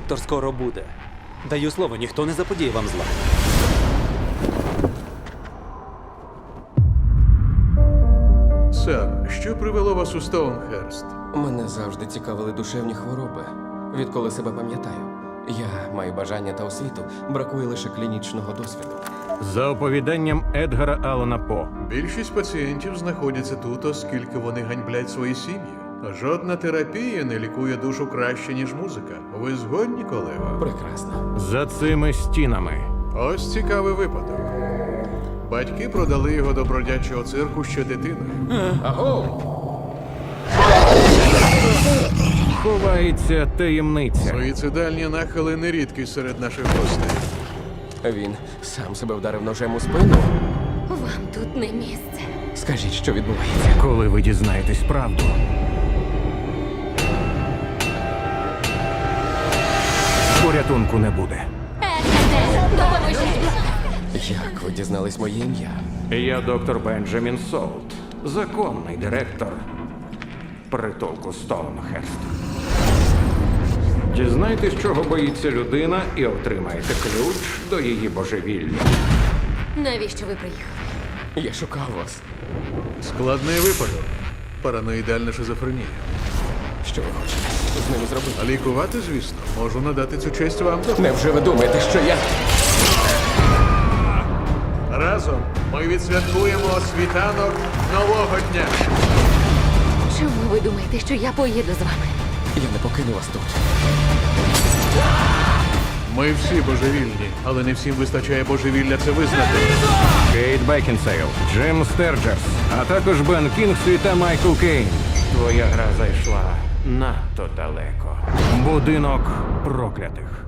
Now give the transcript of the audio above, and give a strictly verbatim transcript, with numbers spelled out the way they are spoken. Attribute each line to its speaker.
Speaker 1: Доктор скоро буде. Даю слово, ніхто не заподіє вам зла.
Speaker 2: Сер, що привело вас у Стоунхерст?
Speaker 3: Мене завжди цікавили душевні хвороби. Відколи себе пам'ятаю. Я маю бажання та освіту, бракує лише клінічного досвіду.
Speaker 4: За оповіданням Едгара Аллана По.
Speaker 2: Більшість пацієнтів знаходяться тут, оскільки вони ганьблять свої сім'ї. Жодна терапія не лікує душу краще, ніж музика. Ви згодні, колего?
Speaker 3: Прекрасно.
Speaker 4: За цими стінами.
Speaker 2: Ось цікавий випадок. Батьки продали його до бродячого цирку ще дитиною.
Speaker 3: Аго!
Speaker 4: Ховається таємниця.
Speaker 2: Суїцидальні нахили не рідкі серед наших гостей.
Speaker 3: Він сам себе вдарив ножем у спину.
Speaker 5: Вам тут не місце.
Speaker 3: Скажіть, що відбувається.
Speaker 4: Коли ви дізнаєтесь правду, порятунку не буде.
Speaker 5: Ехете, допоможіть!
Speaker 3: Як ви дізнались моє ім'я?
Speaker 4: Я доктор Бенджамін Солт, законний директор притулку Стоунхерст. Дізнайтесь, чого боїться людина, і отримаєте ключ до її божевілля.
Speaker 5: Навіщо ви приїхали?
Speaker 3: Я шукав вас.
Speaker 2: Складний випадок. Параноїдальна шизофренія.
Speaker 3: Що ви хочете з ними зробити?
Speaker 2: А лікувати, звісно, можу надати цю честь вам.
Speaker 3: Невже ви думаєте, що я...
Speaker 2: Разом ми відсвяткуємо світанок нового дня.
Speaker 5: Чому ви думаєте, що я поїду з вами?
Speaker 3: Я не покину вас тут.
Speaker 2: Ми всі божевільні, але не всім вистачає божевілля це визнати.
Speaker 4: Кейт Бекінсейл, Джим Стерджерс, а також Бен Кінгслі та Майкл Кейн. Твоя гра зайшла надто далеко. Будинок проклятих.